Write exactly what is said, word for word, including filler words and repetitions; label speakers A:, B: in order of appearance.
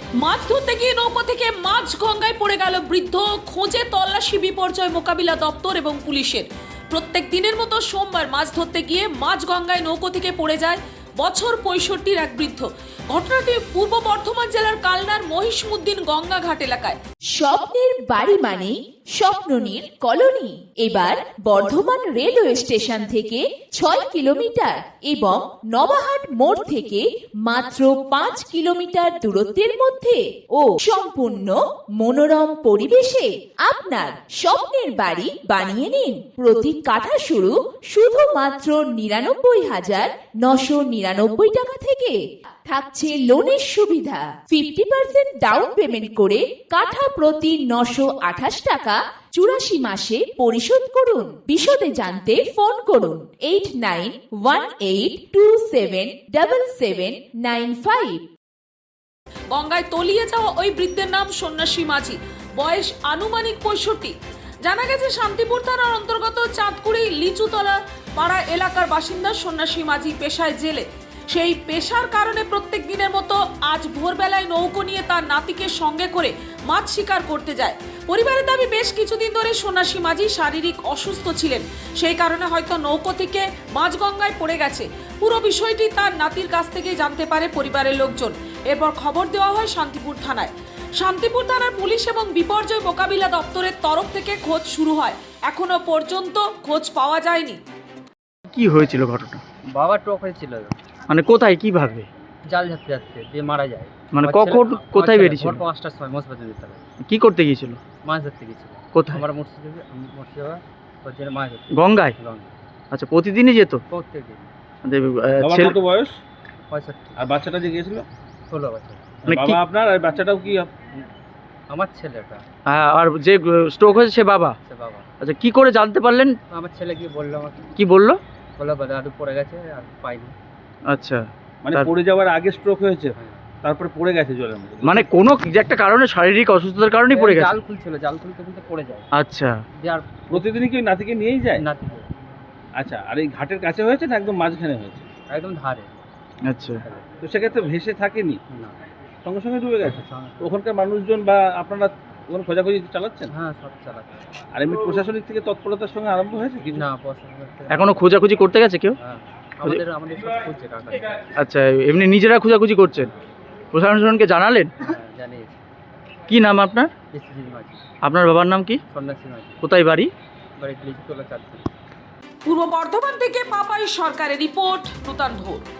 A: মাছ ধরতে গিয়ে নৌকো থেকে মাছ গঙ্গায় পড়ে গেল বৃদ্ধ। খোঁজে তল্লাশি বিপর্যয় মোকাবিলা দপ্তর এবং পুলিশের। প্রত্যেক দিনের মতো সোমবার মাছ ধরতে গিয়ে মাছ গঙ্গায় নৌকো থেকে পড়ে যায় বছর পঁয়ষট্টির এক বৃদ্ধ। ঘটনাটি পূর্ব বর্ধমান জেলার কালনার মহিষমুদ্দিন গঙ্গাঘাট এলাকায়।
B: স্বপ্নের বাড়ি মানে স্বপ্ননীল কলোনি। এবার বর্ধমান রেলওয়ে স্টেশন থেকে ছয় কিলোমিটার এবং নবাহাট মোড় থেকে মাত্র পাঁচ কিলোমিটার দূরত্বের মধ্যে ও সম্পূর্ণ মনোরম পরিবেশে আপনার স্বপ্নের বাড়ি বানিয়ে নিন। প্রতি কাঠা শুরু শুধুমাত্র নিরানব্বই হাজার নশো নিরানব্বই টাকা থেকে। থাকছে লোনের সুবিধা। ফিফটি পার্সেন্ট ডাউন পেমেন্ট করে কাঠা প্রতি নশো আঠাশ টাকা চুরাশি মাসে পরিশোধ করুন। বিশদে জানতে ফোন করুন eight nine one eight two seven double seven nine five.
A: গঙ্গায় তলিয়ে যাওয়া ওই বৃদ্ধের নাম সন্ন্যাসী মাঝি, বয়স আনুমানিক পঁয়ষট্টি। জানা গেছে শান্তিপুর থানার অন্তর্গত চাঁদকুড়ি লিচুতলা পাড়া এলাকার বাসিন্দা সন্ন্যাসী মাঝি পেশায় জেলে। সেই পেশার কারণে প্রত্যেক দিনের মতো আজ ভোরবেলায় নৌকো নিয়ে তার নাতিকে সঙ্গে করে মাছ শিকার করতে যায়। পরিবারের দাবি বেশ কিছুদিন ধরে সন্ন্যাসী মাঝি শারীরিক অসুস্থ ছিলেন, সেই কারণে হয়তো নৌকো থেকে মাছ গঙ্গায় পড়ে গেছে। পুরো বিষয়টি তার নাতির কাছ থেকে জানতে পারে পরিবারের লোকজন। এরপর খবর দেওয়া হয় শান্তিপুর থানায়। শান্তিপুর থানার পুলিশ এবং বিপর্যয় মোকাবিলা দপ্তরের তরফ থেকে খোঁজ শুরু হয়। এখনো পর্যন্ত খোঁজ পাওয়া যায়নি।
C: কি হয়েছিল ঘটনা?
D: বাবা টক হয়েছিল,
C: মানে কোথায় কিভাবে?
D: জাল ধরতে যাচ্ছে দিয়ে মারা যায়।
C: মানে
D: আমার
C: কখন
D: ছেলে-
C: কোথায়
D: আমার ছেলে
C: বেরিয়েছিল?
D: ভোর পাঁচটার সময় মসজিদে যেতে হবে।
C: কি করতে গিয়েছিল?
D: মাছ ধরতে গেছিল।
C: কোথায়?
D: আমার মুর্শিদে মুর্শিদাবাদ হচ্ছে মাছ ধরতে
C: গঙ্গায়?
D: গঙ্গা
C: আচ্ছা, প্রতিদিনই যেত?
D: প্রত্যেক দিন।
C: মানে, আহ,
E: বাবার
C: ছেলে-
E: কত বয়স?
D: পঁয়ষট্টি
E: আর বাচ্চাটা যে গিয়েছিল?
D: ষোলো বছর।
C: মানে
E: বাবা
C: কি-
E: আপনার আর বাচ্চাটাও কি আপ-
D: আমার ছেলেটা
C: হ্যাঁ, আর যে স্ট্রোক হয়েছে সে বাবা?
D: সে বাবা।
C: আচ্ছা, কি করে জানতে পারলেন?
D: আমার ছেলে গিয়ে বললো আমাকে,
C: কি বললো?
D: বললো দাদু পড়ে গেছে আর পাইনি।
C: আচ্ছা,
E: মানে
C: তার-
E: পড়ে যাওয়ার আগে স্ট্রোক হয়েছে,
D: হ্যাঁ।
E: তারপরে পড়ে গেছে জলের মধ্যে?
C: মানে কোনো যে একটা কারণে, শারীরিক অসুস্থতার কারণেই পড়ে গেছে?
D: জাল খুলছিল, জাল খুলতে খুলতে পড়ে যায়।
C: আচ্ছা,
D: দিয়ে আর
E: প্রতিদিনই কি ওই নাতিকে নিয়েই যায়?
D: নাতি
E: আচ্ছা, আর এই ঘাটের কাছে হয়েছে না একদম মাঝখানে হয়েছে?
D: একদম ধারে।
C: আচ্ছা।
E: তো সেক্ষেত্রে ভেসে থাকেনি,
D: না,
E: সঙ্গে সঙ্গে ডুবে গেছে?
D: সঙ্গে-
E: ওখানকার মানুষজন বা আপনারা ওখানে খোঁজাখুঁজি চালাচ্ছেন?
D: হ্যাঁ, সব চালাচ্ছে।
E: আর এমনি প্রশাসনিক থেকে তৎপরতার সঙ্গে আরম্ভ হয়েছে কিছু?
D: না, পয়সা করতে-
C: এখনো খোঁজাখুঁজি করতে গেছে কেউ?
D: হ্যাঁ, আমাদের আমাদের সব খুঁজছে কাকা।
C: আচ্ছা, এমনি নিজেরা খোঁজাখুঁজি করছেন? প্রশাসনকে জানালেন?
D: হ্যাঁ, জানিয়েছি।
C: কি নাম আপনার?
D: এসিজি মাঝি,
C: আপনার বাবার নাম কি?
D: সন্ন্যাসী মাঝি,
C: কোথায় বাড়ি?
D: বাড়ি লিচুতলা চাঁদপুর।
A: পূর্ব বর্ধমান থেকে পাপাই সরকারের রিপোর্ট, নূতন ভোর।